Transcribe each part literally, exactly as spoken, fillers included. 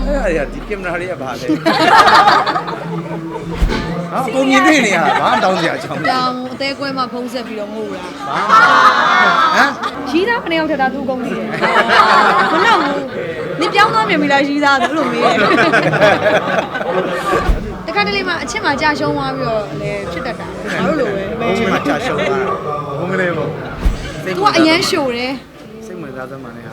အဲ့ဒါဒီကင်မရာလေးကဘာလဲဟာပုံမြင်တွေ့နေရတာဘာမှတောင်းစရာအကြောင်းမရှိတောင်အသေးကွဲမှာဖုံးဆက်ပြီးတော့ငို့တာဘာမှဟမ်ရီးသားခဏရောက်ထက်တာသူ့ကုန်းနေတယ်မလောက်ဘူးနေပြောင်းသွားမြင်ပြီလားရီးသားသူ့လိုမေးတခါတလေမှာအချက်မှာကြာရှုံးသွားပြီးတော့လည်းဖြစ်တတ်တာငါတို့လိုပဲအချိန်မှကြာရှုံးသွားတာဘုံကလေးပေါ့သူကအရန်ရှို့တယ်စိတ်ဝင်စားသမ်းမှလည်းဟာ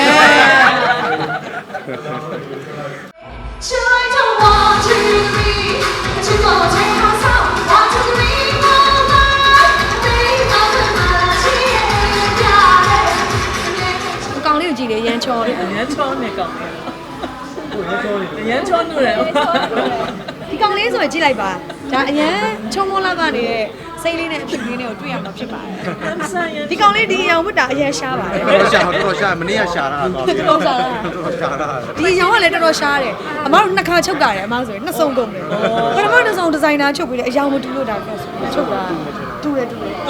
亲爱的我知你，知道我最好笑，我知你我爱，你我的马戏呀嘞。 အကောင်လေးကိုကြည့်လေရန်ချောတယ်အရန်ချောနေကောင်အရန်ချောနေတယ်ဒီကောင်လေးဆိုရင်ကြည့်လိုက်ပါဒါအရန်ချုံမောလာကနေစိတ်လေးနဲ့အဖြစ်လေးနဲ့ကိုတွေ့ရမှာဖြစ်ပါတယ်ဒီကောင်လေးဒီအရောင်ဝတ်တာအရန်ရှားပါတယ်တော်ရှာတော်တော်ရှာမနေ့ကရှာတာတော့တော်ရှာတာတော်ရှာတာဒီအရောင်ကလည်းတော်တော်ရှားတယ်အမတို့နှစ်ခါချုပ်တာတယ်အမဆိုရင်နှစ်စုံကုန်တယ်ပထမတစ်စုံဒီဇိုင်နာချုပ်ပြီးတယ်အရောင်မတူလို့ဒါပြောဆိုချုပ်တာတူတယ်တူတယ်ဘ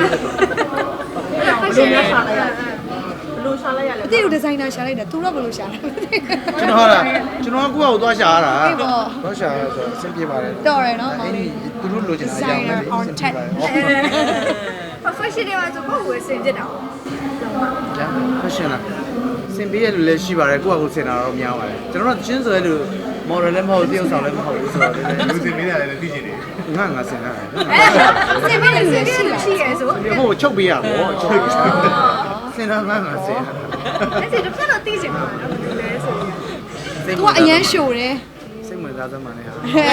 ယ်လိုရှာလိုက်ရလဲဘယ်လိုရှာလိုက်ရလဲအတိတို့ဒီဇိုင်နာရှာလိုက်တာသူတော့ဘယ်လိုရှာလဲကျွန်တော်ဟာကျွန်တော်ကကိုယ့်အကိုသွားရှာရတာအေးပေါ့သွားရှာရဆိုအဆင်ပြေပါတယ်တော်တယ်နော်မောင်အဲ့ဒီလေးသူတို့လိုချင်တာအကြောင်းပဲလေအဆင်ပြေပါတယ် professional တွေမှာဆိုကိုယ်ကိုယ်စင်ကြတာပေါ့ကျန် fashion လားစင်ပေးရလူလည်းရှိပါတယ်ကိုယ့်အကိုစင်တာတော့များပါတယ်ကျွန်တော်တို့ချင်းဆိုရလူ model လည်းမဟုတ်တရုပ်ဆောင်လည်းမဟုတ်ဘူးဆိုတော့လည်းလူစင်ပေးရတယ်လည်းသိချင်တယ်ငါငါစင်တာစင်ပြီးစင်ပြီးရှိရဲဆိုဒီဟိုချုပ်ပေးရပေါ့ချုပ်ပေးစင်တာငါငါစင်အဲ့ဒီတော့ဖက်တော့သိချင်မှာနော်ဘယ်လိုလဲဆိုရင်သူကအရန်ရှို့တယ်စိတ်ဝင်စားသမ်းမှလည်းဟာဘယ်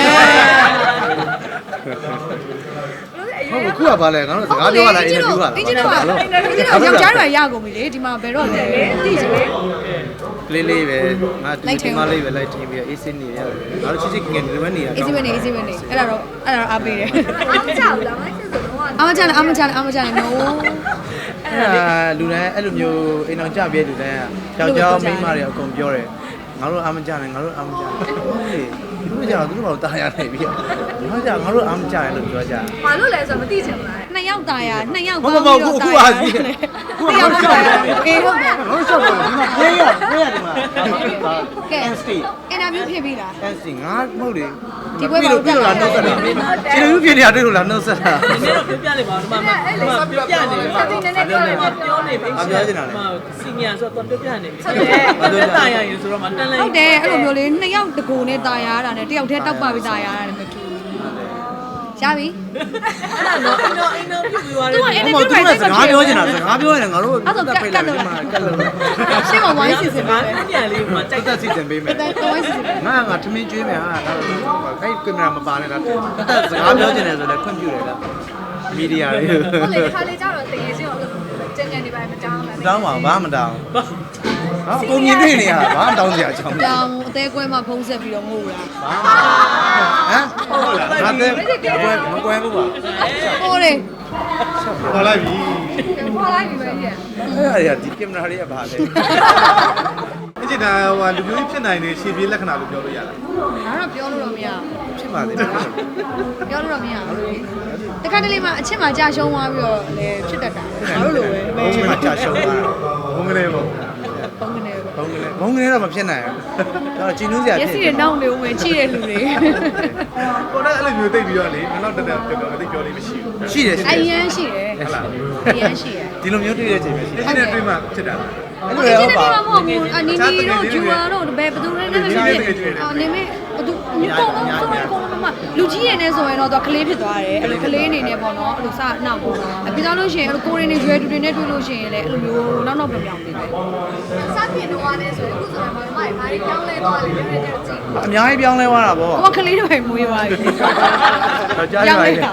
လိုလဲဟုတ်ခုကဘာလဲငါတို့စကားပြောရလားအင်တာဗျူးကလားအင်ဂျင်တော့အင်ဂျင်တော့ယောက်ျားတွေရကုန်ပြီလေဒီမှာဘယ်တော့လဲသိချင်တယ်ကလေးလေးပဲငါဒီမလေးပဲလိုက်ထင်းပြီးအေးစင်းနေရတယ်ငါတို့ချစ်ချစ်ငယ်ငယ်ဒီမနေရ easy ပဲနေ easy ပဲနေအဲ့ဒါတော့အဲ့ဒါတော့အားပေးတယ်အားမကြောက်လားမသိဆိုတော့အမချန်အမချန်အမချန် no အဲ့ဒါလူတိုင်းအဲ့လိုမျိုးအိမ်အောင်ကြပြဲလူတိုင်းကယောက်ျားမိန်းမတွေအကုန်ပြောတယ်ငါတို့အားမကြနဲ့ငါတို့အားမကြနဲ့ဟုတ်လေသူတို့ကြောင့်သူတို့ဘာလို့တားရနေပြီငါကြောင့်ငါတို့အားမကြနဲ့လို့ပြောကြဘာလို့လဲဆိုတော့မသိချင်ဘူးလားနှစ်ယောက်ตายရနှစ်ယောက်မဟုတ်မဟုတ်ခုအခုအားကြီးခုနှစ်ယောက်ตายရအေးဟုတ်တယ်ငါတို့ရှောက်တယ်ဒီမှာပြေးရပြေးရတယ်မှာကဲ N S T အင်တာဗျူးဖြစ်ပြီလား N S T ငါမဟုတ်လေဒီပွဲပါလို့ပြလို့လားနှုတ်ဆက်တာဒီလိုပြနေရတယ်လို့လားနှုတ်ဆက်တာဒီနေ့တော့ပြောပြလိုက်ပါဦးဒီမှာဒီမှာပြောပြနေပါပြောနေပြီစီနီယာဆိုတော့ပြောပြနေပြီဟုတ်တယ်တာရရင်ဆိုတော့မတန်လိုက်ဟုတ်တယ်အဲ့လိုမျိုးလေးနှစ်ယောက်တကူနဲ့ตายရတာနဲ့တယောက်တည်းတောက်ပါပြီးตายရတာနဲ့မတူရပြီအဲ့ဒါတော့အင်းတော့အင်းတော့ပြပြီးသွားတယ်သူကဟိုမှာသူကစကားပြောနေတာစကားပြောရတယ်ငါတို့ဖိတ်လိုက်ပြီးမှကတ်လို့ရှင်းမဝိုင်းစီစဉ်ငါပါပြန်လေးမှာကြိုက်တက်စီစဉ်ပေးမယ်တဲ့ဝိုင်းစီစဉ်ငါငါထမင်းကျွေးမယ်ဟာခိုင်ကင်မရာမပါနဲ့လားတက်စကားပြောချင်တယ်ဆိုလည်းခွင့်ပြုတယ်လားမီဒီယာတွေဟုတ်လေခါလေးကြတော့တကယ်ချင်းအောင်ကျန်ကျန်နေပါမတောင်းလားတောင်းပါဘာမှမတောင်းဟာပုံမြင်တွေ့နေရတာဘာမှတောင်းစရာအကြောင်းမရှိတောင်အသေးကွဲမှာဖုံးဆက်ပြီးတော့ငို့တာဟမ်ဟုတ်လားငါတဲ့မကွဲဘူးပါဟိုလေခေါ်လိုက်ပြီခေါ်လိုက်ပြီပဲကြီးအဲ့ဒါဒီကင်မရာလေးကဘာလဲအစ်စ်ဒါဟိုလူမျိုးဖြစ်နိုင်တဲ့ရှေ့ပြေးလက္ခဏာလို့ပြောလို့ရလားငါတော့ပြောလို့တော့မရဘူးဖြစ်ပါသေးတယ်ပြောလို့တော့မရဘူးတခါတလေမှာအချက်မှာကြာရှုံးသွားပြီးတော့လည်းဖြစ်တတ်တာငါတို့လိုပဲဘုံကလေးကြာရှုံးသွားဘုံကလေးပေါ့ပုံကနေပဲဘုံကလေးဘုံကလေးတော့မဖြစ်နိုင်ဘူးတော့ကြည်နူးစရာမျဖြစ်က်စိတွေနှောင်းနေဦးမယ်ကြည့်တဲ့လူတွေကိုယ်ကအဲ့လိုမျိုးသိပြီးတော့လေနောက်တက်တက်ပြောပြောသိပြောလေးမရှိဘူးရှိတယ်အရန်ရှိတယ်ဟုတ်လားအရန်ရှိတယ်ဒီလိုမျိုးတွေ့တဲ့အချိန်ပဲရှိတယ်အစ်စ်နဲ့တွေ့မှဖြစ်တာလားအဲ့ဟိုလိုအရင်းဟုတ်ကြီးပါမဟုတ်ဘူးအနီနီတို့ဂျူဝါတို့ဘယ်ဘသူတွေနဲ့လည်းဖြစ်အော်နေမေဘသူညီကောင်တော့ဆိုရင်ကောင်မမလူကြီးရနေဆိုရင်တော့သူကလေးဖြစ်သွားတယ်အဲ့လိုကလေးအနေနဲ့ပေါ့နော်အဲ့လိုစနောက်ပေါ့အပြီးသားလို့ရှိရင်အဲ့လိုကိုရင်းနေရွယ်တူတွေနဲ့တွေ့လို့ရှိရင်လည်းအဲ့လိုမျိုးနောက်နောက်ပြောင်ပြောင်နေတယ်စားပြင်တော့ရတယ်ဆိုရင်အခုဆိုရင်မမဘာတွေကြောင်းလဲသွားလဲလည်းကြည့်အများကြီးပြောင်းလဲသွားတာပေါ့ဟိုကလေးတွေမွေးသွားပြီတော့ကြားရပါရဲ့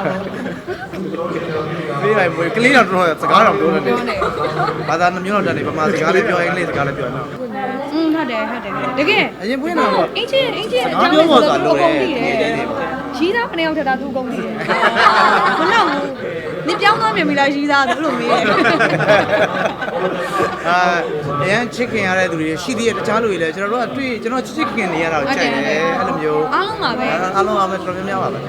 ပြေးလိုက်မွေးကလေးတော့တော်တော်စကားတော့ပြောနေတယ်ဘာသာနှမျိုးတော့တတ်နေဗမာစကားလည်းပြောအင်္ဂလိပ်စကားလည်းပြောနော်อืมဟုတ်တယ်ဟုတ်တယ်တကယ်အရင်ပွင့်တာတော့အင်ချင်းအင်ချင်းစကားပြောဖို့ဆိုတာလိုတယ်ရီးသားခဏရောက်ထက်တာသူ့ကုန်းနေတယ်မလောက်ဘူးနေပြောင်းသွားမြင်ပြီလားရီးသားသူ့လိုမေးအာအရင်ချစ်ခင်ရတဲ့သူတွေရှိသေးတယ်တခြားလူတွေလည်းကျွန်တော်တို့ကတွေ့ကျွန်တော်ချစ်ချစ်ခင်နေရတာကိုကြိုက်တယ်အဲ့လိုမျိုးအားလုံးပါပဲအားလုံးအားပဲတော်တော်များများပါပဲ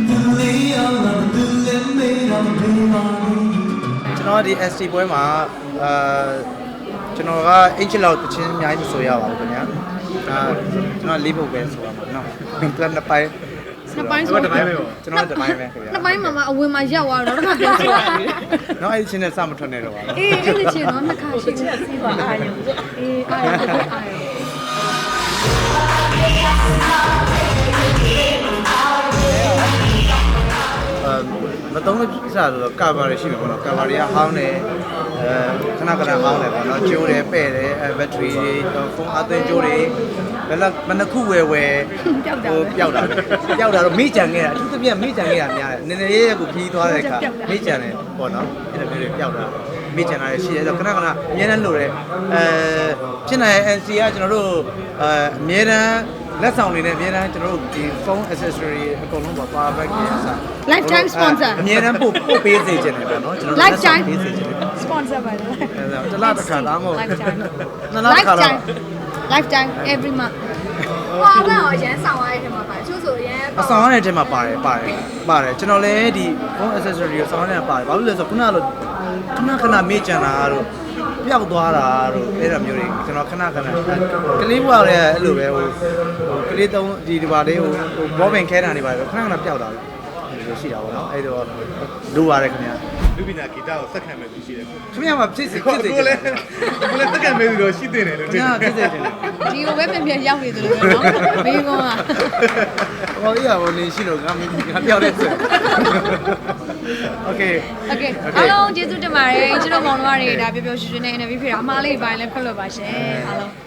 ကျွန်တော်ဒီ S T ပွဲမှာအာကျွန်တော်ကအင်ချီလောက်တချင်းအများကြီးမဆိုရပါဘူးခင်ဗျာအာကျွန်တော်လေးပုတ်ပဲဆိုရမှာနော်ပြန်နှစ်ပိုင်းနှစ်ပိုင်းဆိုတော့တပိုင်းပဲပေါ့ကျွန်တော်တပိုင်းပဲခင်ဗျာနှစ်ပိုင်းမှာမှအဝင်မှာရောက်သွားတော့တော့ပြန်ဆိုတာနော်အဲ့ဒီချင်းနဲ့စမထွက်နေတော့ပါဘူးအေးအဲ့ဒီချင်းတော့နှစ်ခါရှိချက်စီးပါအာရုံဆိုအေးအားရတော့အားရအာမတုံးလို့စဆိုတော့ကာဗာတွေရှိမှာပေါ့နော်ကာဗာတွေကဟောင်းတယ်အဲခဏခဏဟောင်းတယ်ပေါ့နော်ကျိုးတယ်ပဲ့တယ်အဲဘက်ထရီတွေဖုန်းအသွင်းကျိုးတွေဘယ်လောက်မနှစ်ခုဝယ်ဝယ်ပျောက်တာဟိုပျောက်တာပျောက်တာတော့မိကြံခဲ့တာအထူးသဖြင့်မိကြံခဲ့တာများတယ်နည်းနည်းလေးကိုခီးသွားတဲ့အခါမိကြံတယ်ပေါ့နော်အဲ့လိုမျိုးတွေပျောက်တာမိကြံတာရှိတယ်ဆိုတော့ခဏခဏအများနဲ့လို့တယ်အဲဖြစ်နိုင် N C ကကျွန်တော်တို့အဲအများနဲ့လက်ဆောင်တွေနဲ့အများနဲ့ကျွန်တော်တို့ဒီ phone accessory အကုန်လုံးပါ power bank တွေအစား Lifetime sponsor အများနဲ့ပို့ပို့ပေးစေချင်တယ်ပေါ့နော်ကျွန်တော်တို့ Lifetime ပေးစေချင်တယ် sponsor ပါလေအဲဒါတစ်လားတစ်ခါသားမဟုတ် Lifetime နှစ်လားတစ်ခါတော့ lifetime every month ဟွာကတော့ရန်ဆောင်ရတဲ့ထဲမှာပါချို့ဆိုရန်အဆောင်ရတဲ့အထက်မှာပါတယ်ပါတယ်ပါတယ်ကျွန်တော်လည်းဒီ phone accessory ကိုဆောင်ရတဲ့ပါတယ်ဘာလို့လဲဆိုတော့ခုနကလိုခဏခဏမေ့ကြံတာတို့ပျောက်သွားတာတို့အဲ့လိုမျိုးတွေကျွန်တော်ခဏခဏကလေးဘွားလည်းအဲ့လိုပဲဟိုကလေးသုံးဒီဒီပါလေးဟိုဘောပင်ခဲတာနေပါတယ်ခဏခဏပျောက်တာလေအဲ့လိုရှိတာပေါ့နော်အဲ့တော့လိုပါတယ်ခင်ဗျာလူပညာဂီတကိုစက္ကန့်ပဲသူရှိတယ်ခင်ဗျာမှာဖြစ်စီဖြစ်စီကိုလည်းကိုလည်းစက္ကန့်ပဲသူတော့ရှိတင်တယ်လို့ခင်ဗျာဖြစ်စီတယ်ဒီကိုပဲပြန်ပြန်ရောက်နေသလိုပဲเนาะမင်းကောကဟောရပါနေရှိတော့ငါငါပျောက်တဲ့ဆို Okay โอเคအားလုံးကျေးဇူးတင်ပါတယ်ကျွန်တော်မောင်နှမတွေဒါပျော်ပျော်ရွှင်ရွှင်နဲ့ interview ဖြစ်တာအမားလေးပိုင်းလည်းဖတ်လို့ပါရှင်အားလုံး